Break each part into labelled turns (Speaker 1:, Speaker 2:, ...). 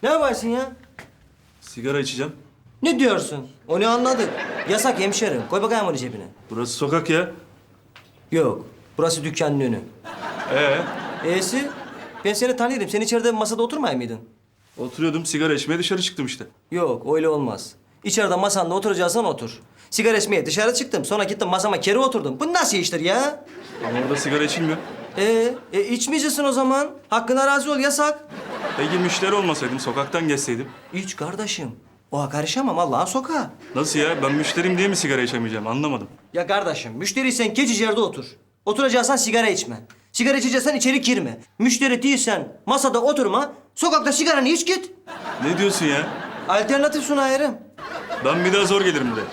Speaker 1: Ne yaparsın ya?
Speaker 2: Sigara içeceğim.
Speaker 1: Ne diyorsun? Onu anladık. Yasak hemşerim. Koy bakayım onu cebine.
Speaker 2: Burası sokak ya.
Speaker 1: Yok. Burası dükkanın önü. E'si? Ben seni tanıyorum. Sen içeride bir masada oturmay mıydın?
Speaker 2: Oturuyordum sigara içmeye dışarı çıktım işte.
Speaker 1: Yok, öyle olmaz. İçeride masanda oturacaksan otur. Sigara içmeye dışarı çıktım. Sonra gittim masama kere oturdum. Bu nasıl iştir ya?
Speaker 2: Ama orada sigara içilmiyor.
Speaker 1: İçmeyeceksin o zaman. Hakkına razı ol, yasak.
Speaker 2: Peki müşteri olmasaydım, sokaktan geçseydim.
Speaker 1: İç kardeşim. Oha karışamam Allah'ın sokağı.
Speaker 2: Nasıl ya? Ben müşteriyim diye mi sigara içemeyeceğim? Anlamadım.
Speaker 1: Ya kardeşim, müşteriysen geç içeride otur. Oturacaksan sigara içme. Sigara içeceksen içeri girme. Müşteri değilsen masada oturma. Sokakta sigaranı iç git.
Speaker 2: Ne diyorsun ya?
Speaker 1: Alternatif sunayırım.
Speaker 2: Ben bir daha zor gelirim buraya.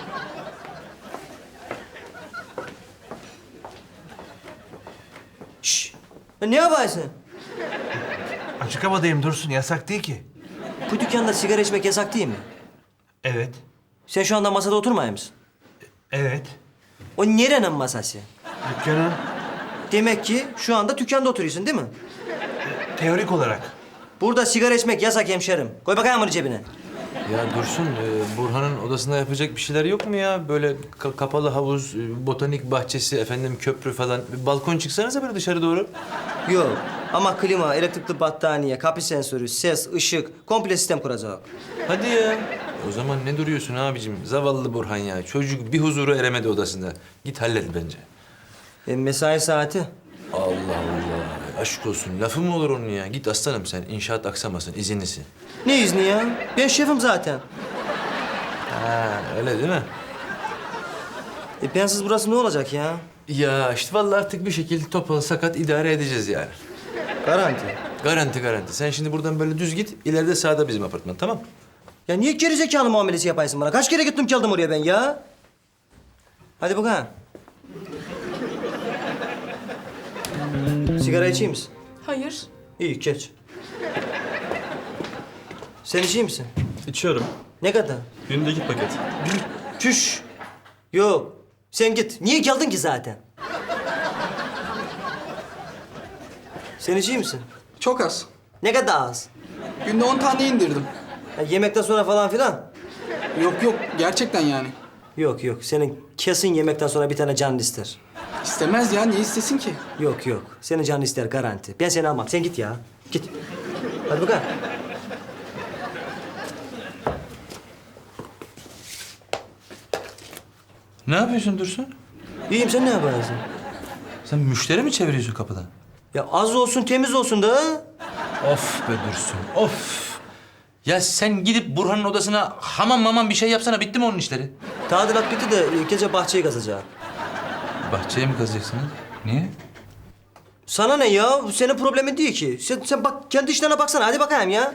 Speaker 1: Şşş. Ne yaparsın?
Speaker 3: Açık havadayım Dursun, yasak değil ki.
Speaker 1: Bu dükkanda sigara içmek yasak değil mi?
Speaker 3: Evet,
Speaker 1: Sen şu anda masada oturmayır mısın?
Speaker 3: evet.
Speaker 1: O nerenin masası?
Speaker 3: Dükkanın
Speaker 1: Demek ki şu anda dükkanda oturuyorsun değil mi?
Speaker 3: teorik olarak.
Speaker 1: Burada sigara içmek yasak hemşerim. Koy bakayım onu cebine.
Speaker 4: Ya Dursun, Burhan'ın odasında yapacak bir şeyler yok mu ya? Böyle kapalı havuz, botanik bahçesi, efendim köprü falan. Bir balkon çıksanıza böyle dışarı doğru.
Speaker 1: Yok ama klima, elektrikli battaniye, kapı sensörü, ses, ışık, komple sistem kuracak.
Speaker 4: Hadi ya. O zaman ne duruyorsun abicim? Zavallı Burhan ya. Çocuk bir huzura eremedi odasında. Git hallet bence.
Speaker 1: Mesai saati.
Speaker 4: Allah Allah. Aşk olsun. Lafı mı olur onun ya? Git aslanım sen. İnşaat aksamasın. İzinlisin.
Speaker 1: Ne izni ya? Ben şefim zaten.
Speaker 4: Ha, öyle değil mi?
Speaker 1: Bensiz burası ne olacak ya?
Speaker 4: Ya işte vallahi artık bir şekilde topal sakat idare edeceğiz yani.
Speaker 1: Garanti.
Speaker 4: Garanti garanti. Sen şimdi buradan böyle düz git. İleride sağda bizim apartman, tamam?
Speaker 1: Ya niye gerizekalı muamelesi yapaysın bana? Kaç kere gittim geldim oraya ben ya? Hadi bakalım. Sigara içeyim misin?
Speaker 5: Hayır.
Speaker 1: İyi, geç. Sen içeyim misin?
Speaker 2: İçiyorum.
Speaker 1: Ne kadar?
Speaker 2: Günde 2 paket.
Speaker 1: Çüş. Yok. Sen git. Niye geldin ki zaten? Sen içeyim misin?
Speaker 6: Çok az.
Speaker 1: Ne kadar az?
Speaker 6: Günde 10 tane indirdim.
Speaker 1: Ya yemekten sonra falan filan?
Speaker 6: Yok yok gerçekten yani.
Speaker 1: Yok yok. Senin kesin yemekten sonra bir tane canın ister.
Speaker 6: İstemez ya niye istesin ki?
Speaker 1: Yok yok. Senin canın ister garanti. Ben seni almam. Sen git ya. Git. Hadi bakalım.
Speaker 4: Ne yapıyorsun Dursun?
Speaker 1: İyiyim, sen ne yaparsın?
Speaker 4: Sen müşteri mi çeviriyorsun kapıdan?
Speaker 1: Ya az olsun temiz olsun da.
Speaker 4: Of be Dursun, of. Ya sen gidip Burhan'ın odasına hamam mamam bir şey yapsana. Bitti mi onun işleri?
Speaker 1: Tadilat bitti de gece bahçeyi kazacağım.
Speaker 4: Bahçeye mi kazacaksınız? Niye?
Speaker 1: Sana ne ya? Bu senin problemin değil ki. Sen bak kendi işlerine baksana. Hadi bakayım ya.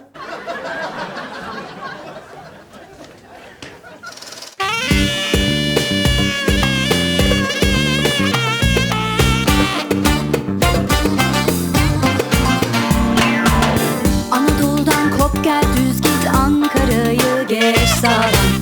Speaker 7: Anadolu'dan kop gel düz git Ankara'yı geç sağdan